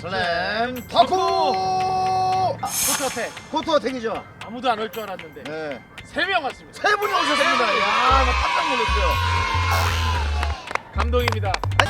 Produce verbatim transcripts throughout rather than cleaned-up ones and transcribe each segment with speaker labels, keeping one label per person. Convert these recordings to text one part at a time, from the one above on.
Speaker 1: 슬램 덩크!
Speaker 2: 코트 어택.
Speaker 1: 코트 어택이죠?
Speaker 2: 아무도 안 올 줄 알았는데
Speaker 1: 네.
Speaker 2: 세 명 왔습니다.
Speaker 1: 세 분이 오셨습니다. 야, 나 깜짝 놀랐어요.
Speaker 2: 감동입니다.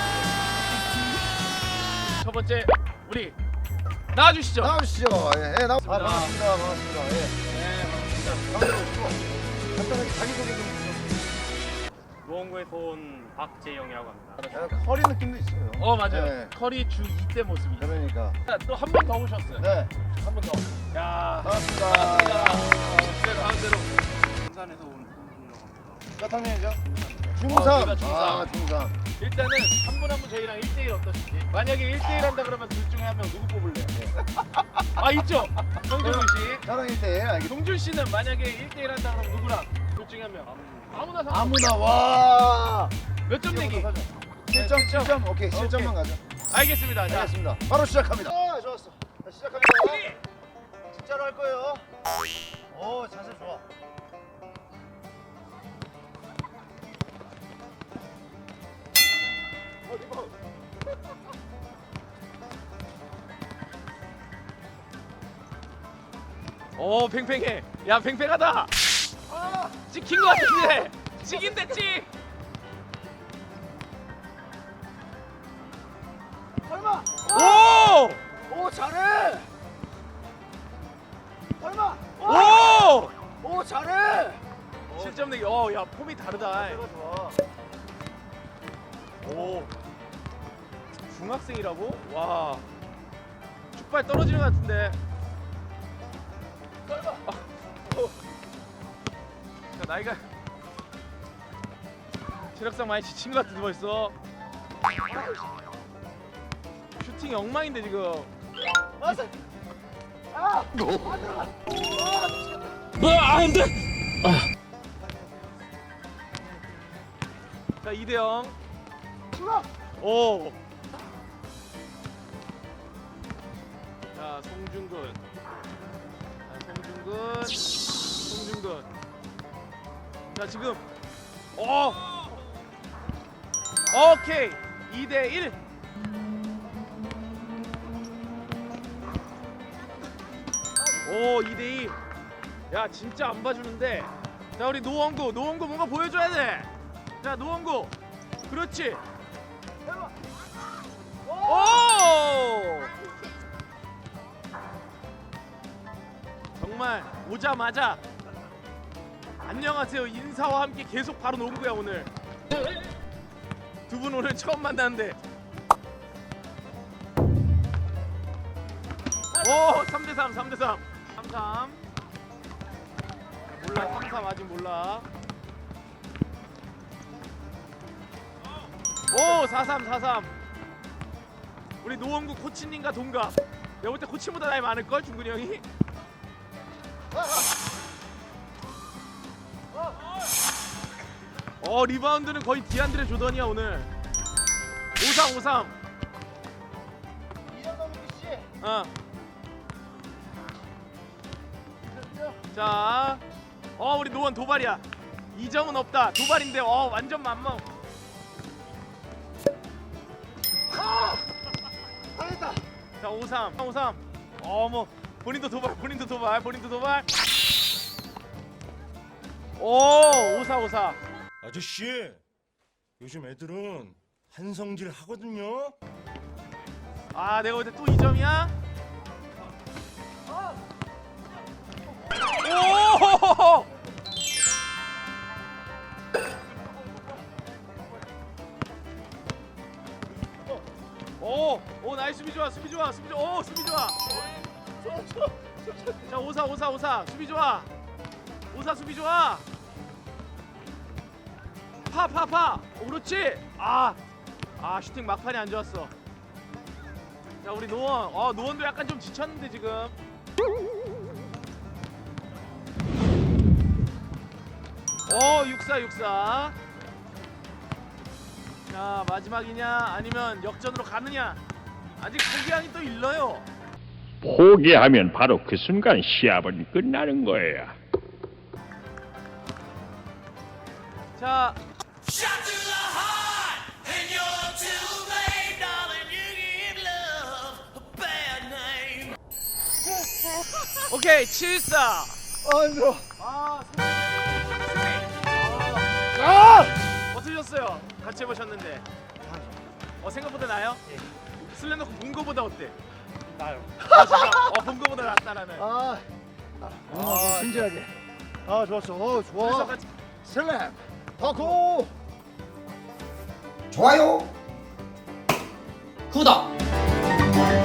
Speaker 2: 첫 번째 우리 나와주시죠.
Speaker 1: 나오시죠. 예, 예, 나. 아, 반갑습니다. 반갑습니다. 예.
Speaker 2: 네, 반갑습니다.
Speaker 1: 반갑습니다. 간단하게 자기소개 좀 부탁드립니다.
Speaker 3: 노원구에서 온 박재영이라고 합니다.
Speaker 1: 약간 커리 느낌도 있어요.
Speaker 2: 어 맞아요.
Speaker 1: 네.
Speaker 2: 커리 주 이 때 모습이.
Speaker 1: 그러니까.
Speaker 2: 또 한 번 더 오셨어요.
Speaker 1: 네.
Speaker 2: 한 번 더. 야.
Speaker 1: 반갑습니다.
Speaker 2: 네, 가운데로.
Speaker 3: 부산에서 온 홍준이라고 합니다.
Speaker 1: 몇 학년이죠?
Speaker 2: 어,
Speaker 1: 중삼.
Speaker 2: 제가 중삼.
Speaker 1: 아, 중삼.
Speaker 2: 일단은 한 분 한 분 저희랑 일 대 일 어떠신지. 만약에 일 대 일 한다 그러면 둘 중에 한 명 누구 뽑을래요? 아 있죠. 정준우 씨.
Speaker 1: 저랑 일 대 일. 알겠습니다.
Speaker 2: 동준 씨는 만약에 일 대 일 한다 그러면 누구랑? 둘 중에 한 명. 아무나 상관.
Speaker 1: 아무나 와.
Speaker 2: 몇점 내기?
Speaker 1: 칠 점, 칠 점. 오케이, 칠 점만 가자.
Speaker 2: 알겠습니다. 자,
Speaker 1: 알겠습니다. 바로 시작합니다. 아, 좋았어. 자, 시작합니다. 진짜로 할 거예요. 오, 자세 좋아. 어, 리바운드.
Speaker 2: 오 팽팽해. 야 팽팽하다.
Speaker 1: 아,
Speaker 2: 찍힌 거 같은데. 찍인데 찍.
Speaker 1: 설마.
Speaker 2: 오!
Speaker 1: 오, 잘해. 설마.
Speaker 2: 오!
Speaker 1: 오, 잘해.
Speaker 2: 칠 점 내기. 어, 야 폼이 다르다.
Speaker 1: 자세가 좋아.
Speaker 2: 오. 중학생이라고? 와. 축발 떨어지는 것 같은데.
Speaker 1: 설마.
Speaker 2: 야, 나이가 체력상 많이 지친 것 같은데 벌써. 슈팅이 엉망인데 지금.
Speaker 1: 맞아. 아.
Speaker 2: 뭐안 돼. 자, 이 대 영.
Speaker 1: 출발.
Speaker 2: 오. 자, 송중근. 자, 송중근. 송중근. 자, 지금. 어. 오케이. 이 대 일. 오, 이 대 이. 야, 진짜 안 봐주는데. 자, 우리 노원구. 노원구 뭔가 보여줘야 돼. 자, 노원구. 그렇지. 오! 정말 오자마자 안녕하세요 인사와 함께 계속 바로 농구야 오늘. 두 분 오늘 처음 만났는데. 오, 삼 대 삼, 삼 대 삼. 삼 삼. 몰라, 삼 삼 아직 몰라. 오, 사 삼, 사 삼. 우리 노원구 코치님과 동갑. 내가 볼 때 코치보다 나이 많을걸, 중근이 형이? 어, 리바운드는 거의 디안드레 조던이야 오늘. 오 삼, 오 삼.
Speaker 1: 이현동 씨.
Speaker 2: 어. 자, 어 우리 노원 도발이야. 이 점은 없다. 도발인데 어 완전 만멍.
Speaker 1: 당했다.
Speaker 2: 자, 오 삼, 오 삼. 어뭐 본인도 도발, 본인도 도발, 본인도 도발. 오, 오 사, 오 사.
Speaker 4: 아저씨, 요즘 애들은 한성질 하거든요.
Speaker 2: 아, 내가 볼 때 또 이 점이야? 오! 오, 오 나이스 수비 좋아, 수비 좋아, 수비 좋아, 오 수비 좋아. 자, 오 사, 오 사, 오 사 수비 좋아. 오 사 수비 좋아. 파, 파, 파. 오, 그렇지. 아, 아 슈팅 막판이 안 좋았어. 자, 우리 노원, 어 노원도 약간 좀 지쳤는데 지금. 오, 육 사, 육 사. 자, 마지막이냐 아니면 역전으로 가느냐. 아직 포기하기 또 일러요.
Speaker 5: 포기하면 바로 그 순간 시합은 끝나는 거예요.
Speaker 2: 자, 오케이 칠사.
Speaker 1: 아 힘들어.
Speaker 2: 아 승리.
Speaker 1: 아!
Speaker 2: 어떠셨어요? 같이 해보셨는데. 어 생각보다 나요? 슬램덩크 본 거보다 어때?
Speaker 3: 나요.
Speaker 2: 아 진짜? 어본 거보다 낫다라는.
Speaker 1: 아, 아, 아 진지하게. 아 좋았어. 어
Speaker 2: 그래서
Speaker 1: 좋아.
Speaker 2: 같이
Speaker 1: 슬램 덩크.
Speaker 6: 좋아요 구독